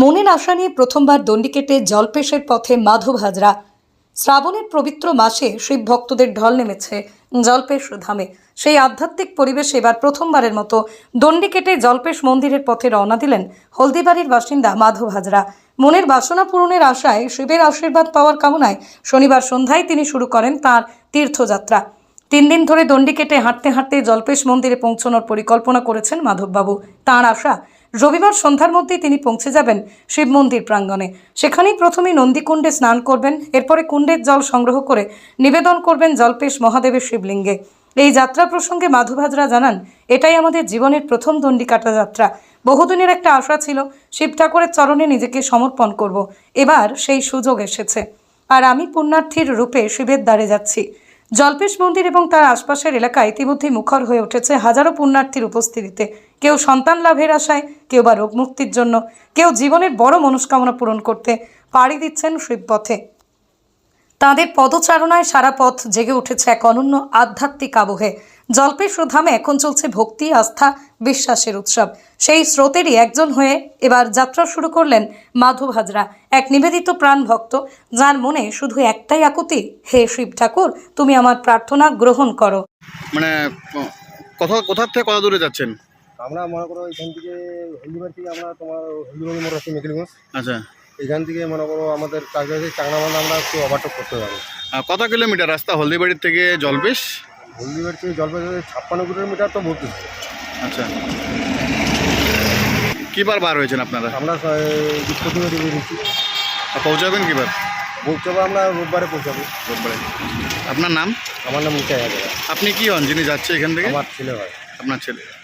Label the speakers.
Speaker 1: মনের আশা নিয়ে প্রথমবার দণ্ডি কেটে জলপেশের পথে মাধব হাজরা। শ্রাবণের পবিত্র মাসে শিব ভক্তদের ঢল নেমেছে জলপেশ ধামে। সেই আধ্যাত্মিক পরিবেশে এবার প্রথমবারের মতো দণ্ডি কেটে জলপেশ মন্দিরের পথে রওনা দিলেন হলদিবাড়ির বাসিন্দা মাধব হাজরা। মনের বাসনা পূরণের আশায় শিবের আশীর্বাদ পাওয়ার কামনায় শনিবার সন্ধ্যায় তিনি শুরু করেন তাঁর তীর্থযাত্রা। 3 দিন ধরে দণ্ডি কেটে হাঁটতে হাঁটতে জলপেশ মন্দিরে পৌঁছানোর পরিকল্পনা করেছেন মাধববাবু। তাঁর আশা রবিবার সন্ধ্যার মধ্যেই তিনি পৌঁছে যাবেন শিব মন্দির প্রাঙ্গণে। সেখানেই প্রথমেই নন্দীকুণ্ডে স্নান করবেন, এরপরে কুণ্ডের জল সংগ্রহ করে নিবেদন করবেন জলপেশ মহাদেবের শিবলিঙ্গে। এই যাত্রা প্রসঙ্গে মাধব হাজরা জানান, এটাই আমাদের জীবনের প্রথম দণ্ডি কাটা যাত্রা। বহুদিনের একটা আশা ছিল শিব ঠাকুরের চরণে নিজেকে সমর্পণ করব। এবার সেই সুযোগ এসেছে, আর আমি পুণ্যার্থীর রূপে শিবের দ্বারে যাচ্ছি। জলপেশ মন্দির এবং তার আশপাশের এলাকা ইতিমধ্যে মুখর হয়ে উঠেছে হাজারো পুণ্যার্থীর উপস্থিতিতে। কেউ সন্তান লাভের আশায়, কেউ বা রোগ মুক্তির জন্য, কেউ জীবনের বড় মনস্কামনা পূরণ করতে পাড়ি দিচ্ছেন শিবপথে। তাঁদের পদচারণায় সারা পথ জেগে উঠেছে এক অনন্য আধ্যাত্মিক আবহে। জলপেশ ধামে এখন চলছে ভক্তি, আস্থা, বিশ্বাসের উৎসব। সেই স্রোতেরই একজন হয়ে এবার যাত্রা শুরু করলেন মাধব হাজরা, এক নিবেদিত প্রাণ ভক্ত, যার মনে শুধু একটাই আকুতি, হে শিব ঠাকুর, তুমি আমার প্রার্থনা গ্রহণ করো।
Speaker 2: মানে কোথা থেকে কত দূরে যাচ্ছেন?
Speaker 3: আমরা মনে করো এখান থেকে হলদিবাড়ি থেকে আমরা তোমার হলদিবাড়ি মোড় আছে মেকিলগঞ্জ।
Speaker 2: আচ্ছা,
Speaker 3: এখান থেকে মনে করো আমাদের কাছাকাছি চাংনামাল আমরা একটু ওভারটেক করতে পারবো।
Speaker 2: কত কিলোমিটার রাস্তা হলদিবাড়ির থেকে জলপেশ?
Speaker 3: হলদিবাড়ি থেকে জলপাইগুড়ি 56 কিলোমিটার তো বলতেছি।
Speaker 2: আচ্ছা, কিবার বার হয়েছেন আপনারা?
Speaker 3: আমরা বৃহস্পতিবারে বেরিয়েছি।
Speaker 2: পৌঁছাবেন কিবার?
Speaker 3: পৌঁছাবো আমরা রোববারে পৌঁছাবো।
Speaker 2: রোববারে। আপনার নাম?
Speaker 3: আমার নাম নিতাই হাজারা।
Speaker 2: আপনি কি হন যিনি যাচ্ছে এখান থেকে?
Speaker 3: আমার ছেলে হয়।
Speaker 2: আপনার ছেলে।